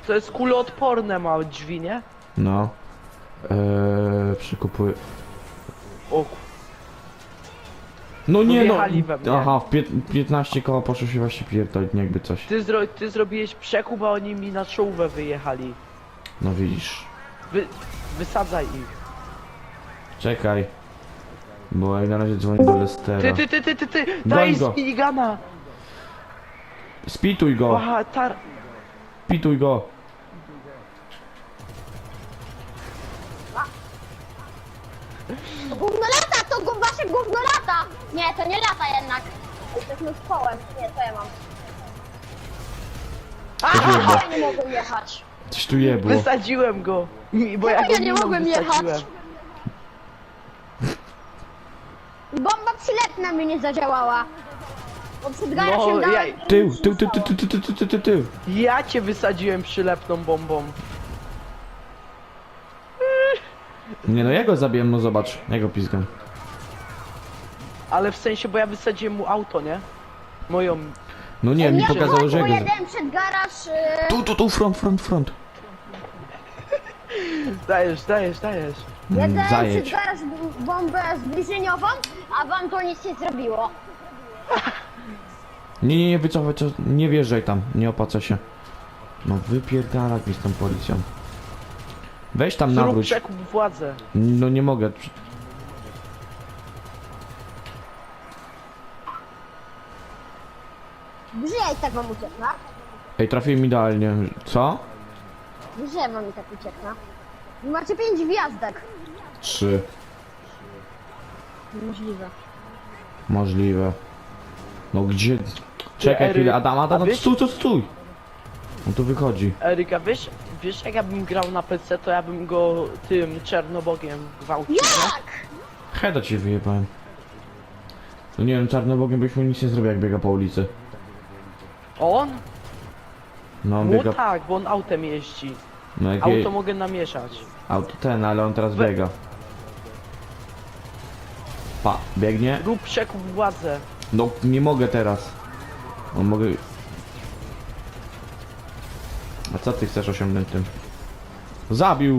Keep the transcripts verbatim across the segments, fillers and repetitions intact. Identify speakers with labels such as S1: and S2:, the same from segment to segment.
S1: to jest kuloodporne, ma drzwi, nie?
S2: No. Eee, przykupuję.
S1: O, ku-
S2: No nie no!
S1: wjechali we mnie.
S2: Aha, w pię- piętnaście koła poszło się właśnie pierdolić, jakby coś.
S1: ty, zro ty zrobiłeś przekup, a oni mi na czołówę wyjechali.
S2: No widzisz.
S1: Wy wysadzaj ich.
S2: Czekaj. Bo jak na razie dzwonię do Lestera.
S1: Ty, ty, ty, ty, ty, ty,
S2: Goń
S1: daj
S2: go.
S1: z minigana.
S2: Spituj go!
S1: Aha, tar...
S2: Spituj go!
S3: To gówno lata, to gó- wasze gówno lata! Nie, to nie lata jednak. Jesteśmy z kołem. Nie, to ja mam.
S2: Jebło.
S3: Ja nie mogłem jechać.
S2: Coś tu jebło.
S1: Wysadziłem go. Mi- Bo ja,
S3: Czemu
S1: go
S3: ja nie
S1: miną
S3: mogłem
S1: wysadziłem.
S3: jechać? Bomba przylepna mi nie zadziałała. Bo przed
S1: No,
S3: garażem
S1: ja,
S3: dałem...
S2: Tył, tył, tył, tył, tył, tył, tył, tył, tył, tył.
S1: ja cię wysadziłem przylepną bombą.
S2: Nie no, ja go zabiłem, no zobacz. Ja go pizgam.
S1: Ale w sensie, bo ja wysadziłem mu auto, nie? Moją...
S2: No nie, mi
S3: Ja
S2: pokazało, że ja go... za-
S3: pojedę przed garaż... Yy...
S2: Tu, tu, tu, front, front, front.
S1: Dajesz, dajesz, dajesz.
S2: Mm,
S3: Jadę
S2: Zajedź.
S3: przed garaż b- bombę zbliżeniową, a wam to nic nie zrobiło.
S2: Nie, nie, nie, wycofaj, co- nie wjeżdżaj tam, nie opłaca się. No wypierdalać mi z tą policją. Weź tam
S1: Zrób
S2: nawróć.
S1: przekup władzę.
S2: No nie mogę.
S3: Gdzie ja i tak mam uciekna?
S2: Ej, trafiłem idealnie. Co?
S3: Gdzie mam i tak uciekna? Wy macie pięć gwiazdek.
S2: Trzy.
S3: Możliwe.
S2: Możliwe. No gdzie? Czekaj
S1: Ery,
S2: chwilę, Adam, Adam,
S1: a
S2: no
S1: wiesz-
S2: stój, stój, stój. On tu wychodzi.
S1: Eryka, wiesz, wiesz jak ja bym grał na P C, to ja bym go tym czernobogiem gwałcił, nie?
S3: Jak?
S2: Heda ci wyjebałem. No nie wiem, czarnobogiem byś mu nic nie zrobił, jak biega po ulicy.
S1: On?
S2: No on
S1: Mu
S2: biega...
S1: tak, bo on autem jeździ.
S2: No jak je...
S1: Auto mogę namieszać.
S2: Auto ten, ale on teraz
S1: We-
S2: biega. Pa, biegnie.
S1: Rób przekup władzę.
S2: No nie mogę teraz. On mogę... A co ty chcesz osiągnąć tym? Zabił!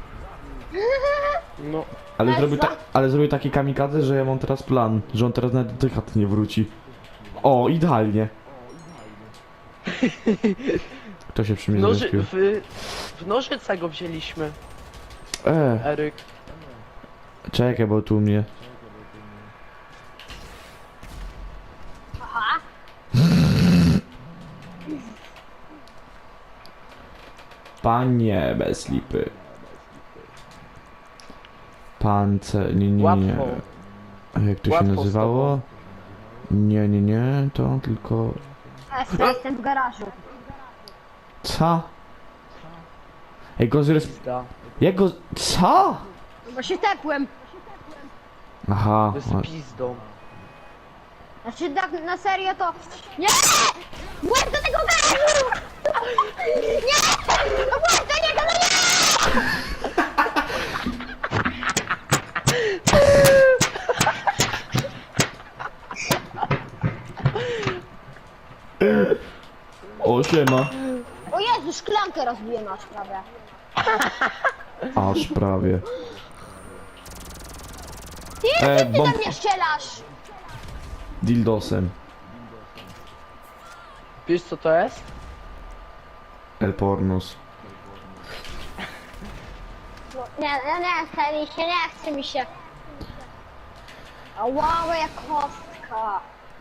S1: No.
S2: Ale
S3: Ale
S2: zrobił,
S3: co?
S2: ta, ale zrobił taki kamikadze, że ja mam teraz plan, że on teraz nawet do tej chaty nie wróci. O, idealnie. Kto się przy mnie
S1: Noży,
S2: zrespił?
S1: w, w nożyce go wzięliśmy,
S2: E,
S1: Eryk.
S2: czekaj, bo tu mnie...
S3: Aha.
S2: Panie, bez lipy. Pance... nie, nie, nie.
S1: Łatwo.
S2: A jak to się
S1: Łatwo z
S2: nazywało?
S1: tobą.
S2: Nie, nie, nie, to tylko...
S3: Ja jestem w garażu.
S2: Co? Ej, go zres...
S1: Pizda.
S2: Jak go... Co?
S3: Bo się tepłem.
S2: Aha.
S1: Z pizdą.
S3: Znaczy tak na serio to... Nie! Łeb do tego garażu! Nie! Łeb do niego, no nie!
S2: O, siema.
S3: O Jezu, szklankę rozbiłem aż prawie.
S2: Aż prawie.
S3: Ty,
S2: E,
S3: ty, ty
S2: bomb-
S3: na mnie strzelasz!
S2: Dildosem.
S1: Wiesz co to jest?
S2: El Pornos.
S3: No, nie, nie, nie chce mi się, nie chce mi się. A wow, jak kostka.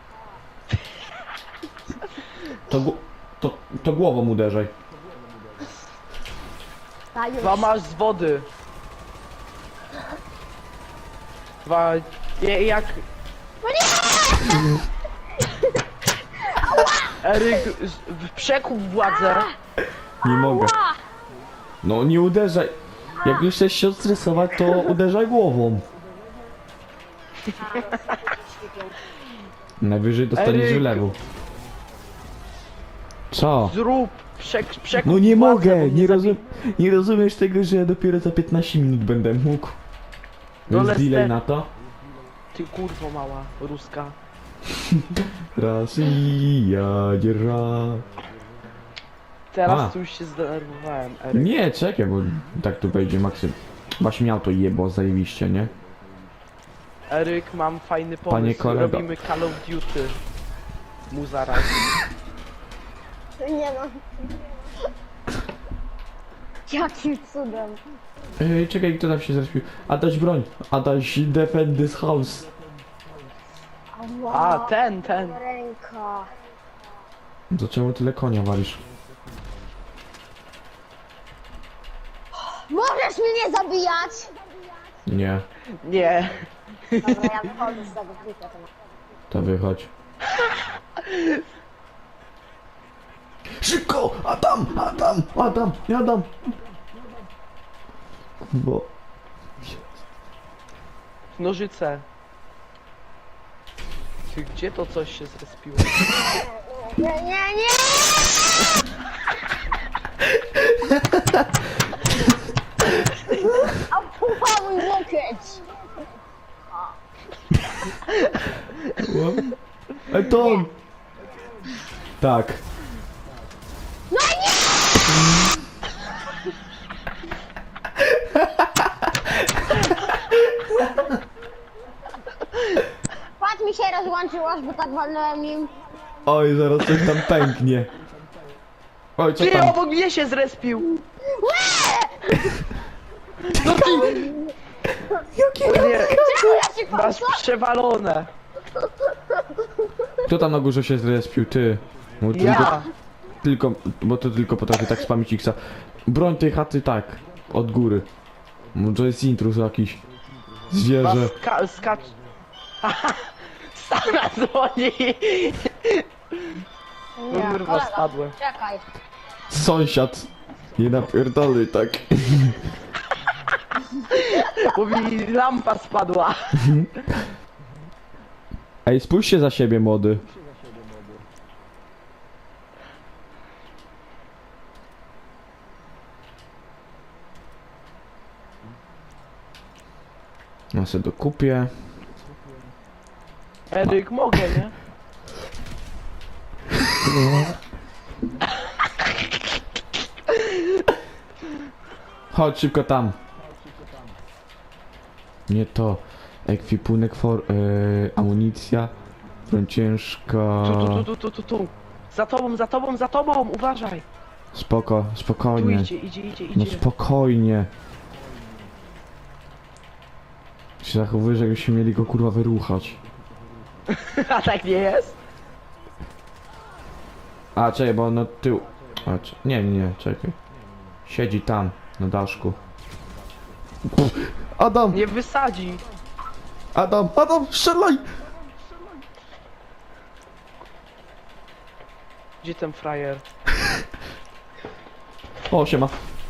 S2: To, gł- to, to głową uderzaj.
S3: A już.
S1: Dwa masz z wody. Dwa... je- jak...
S3: No nie!
S1: Eryk, z- w przekup władzę.
S2: Nie mogę.
S3: Ła!
S2: No nie uderzaj. Jak już chcesz się stresować, to uderzaj głową. Najwyżej dostaniesz
S1: Eryk.
S2: wylewu. Co?
S1: Zrób przek przekup
S2: No nie
S1: władzę,
S2: mogę,
S1: bo mnie
S2: nie,
S1: zabi-
S2: rozum nie rozumiesz tego, że ja dopiero za piętnaście minut będę mógł.
S1: No
S2: Jest
S1: Lester.
S2: delay na to?
S1: Ty kurwo mała, ruska.
S2: Rosja, dzierża.
S1: Teraz
S2: A.
S1: tu już się zdenerwowałem, Eryk.
S2: Nie, czekaj, bo tak tu wejdzie Maksym. Właśnie miał to jebo zajebiście, nie?
S1: Eryk, mam fajny
S2: Panie
S1: pomysł.
S2: kolego.
S1: Robimy Call of Duty. Mu zaraz.
S3: Nie no. Jakim cudem.
S2: Ej, czekaj, kto tam się zrespił? Adaś broń! Adaś defend this house!
S3: Ała,
S1: A, ten, ten.
S3: ręka.
S2: To czemu tyle konia walisz?
S3: Możesz mnie zabijać?
S2: Nie,
S1: Nie.
S3: Dobra, ja wychodzę z tego klika.
S2: to wychodź. Szybko! Adam! Adam! Adam! Adam! Bo...
S1: Nożyce. Ty, gdzie to coś się zrespiło?
S3: Nie, nie, nie! A pucha mój łokieć!
S2: Ej, Tom! Tak.
S3: No nie! Patrz, mi się rozłączyło, bo tak walnąłem nim.
S2: Oj, zaraz coś tam pęknie. Oj, co
S1: Ty,
S2: tam?
S1: obok mnie się zrespił!
S2: No ty! Jakie?
S1: Nie,
S3: Czemu ja się
S1: masz
S3: patrzę?
S1: przewalone.
S2: Kto tam na górze się zrespił? Ty. Bo tylko,
S1: Ja.
S2: tylko, bo to tylko potrafi tak spamić X-a. Broń tej chaty tak. Od góry. Bo to jest intruz jakiś.
S1: Was
S2: Zwierzę.
S1: ska skacz... Stana dzwoni!
S3: Nie,
S1: Kurwa,
S3: kolega,
S1: spadłem.
S3: Czekaj.
S2: Sąsiad. Nie napierdolaj tak.
S1: Bo mi lampa spadła.
S2: Ej, spójrzcie za siebie, młody. Ja sobie dokupię.
S1: Eryk, mogę, nie?
S2: Chodź szybko tam. Nie to. Ekwipunek for... Yy, amunicja. Broń ciężka.
S1: Tu, tu, tu, tu, tu, tu. Za tobą, za tobą, za tobą, uważaj.
S2: Spoko,
S1: Tu
S2: spokojnie.
S1: idzie, idzie, idzie,
S2: No
S1: idzie.
S2: spokojnie. Się zachowuje, że jakbyśmy mieli go kurwa wyruchać.
S1: A tak nie jest?
S2: A, czekaj, bo on na tył... A, cze- nie, nie, nie, czekaj. Siedzi tam, na daszku. Pff, Adam!
S1: Nie wysadzi.
S2: Adam! Adam! Strzelaj!
S1: Gdzie ten frajer?
S2: O, siema.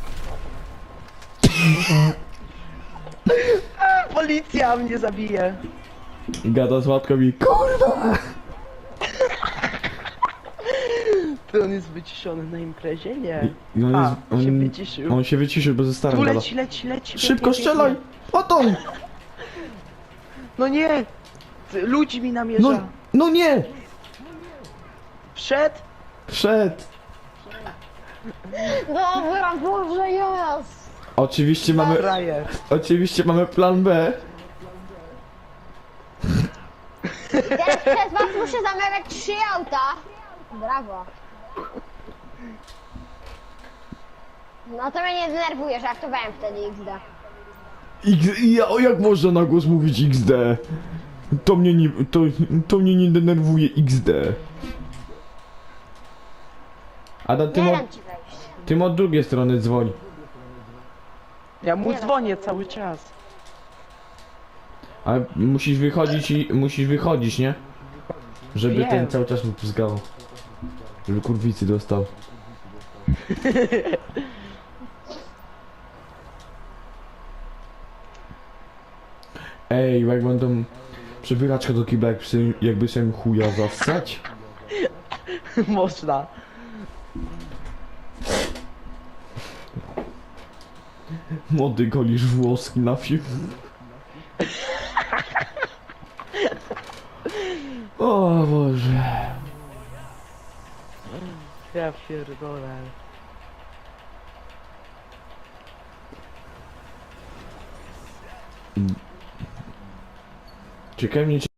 S1: A, policja mnie zabije.
S2: I gada z łatką i kurwa!
S1: Ty, on jest wyciszony na imprezie? Nie.
S2: I, i on,
S1: A,
S2: jest, on,
S1: się wyciszył.
S2: on się wyciszył, bo ze starym
S1: Tu
S2: gada.
S1: leci, leci, leci.
S2: Szybko
S1: biegnie,
S2: strzelaj!
S1: biegnie.
S2: Adam!
S1: No nie! Ty, ludzi mi namierza.
S2: No, no nie!
S1: Wszedł?
S2: Wszedł!
S3: Dobra, Boże, jest!
S2: Oczywiście mamy...
S1: Frajer.
S2: Oczywiście mamy plan B.
S3: Teraz przez was muszę zamawiać trzy auta. Brawo. No to mnie nie denerwuje, żartowałem wtedy X D.
S2: X, ja, o jak można na głos mówić X D? To mnie nie, to, to mnie nie denerwuje X D. Adam, ty
S3: Nie
S2: mo,
S3: dam ci wejść.
S2: ty od drugiej strony dzwoń.
S1: Ja mu
S3: Nie no.
S1: dzwonię cały czas.
S2: Ale musisz wychodzić i musisz wychodzić, nie? Żeby
S1: Wiem.
S2: ten cały czas mu pizgał. Żeby kurwicy dostał. Ej, jak będą przebieraczkę do kibla, jakby sobie, jakby sobie chuja zassać.
S1: Można.
S2: Młody golisz włoski na film. O Boże.
S1: Ja pierdolę.
S2: Czekaj mnie.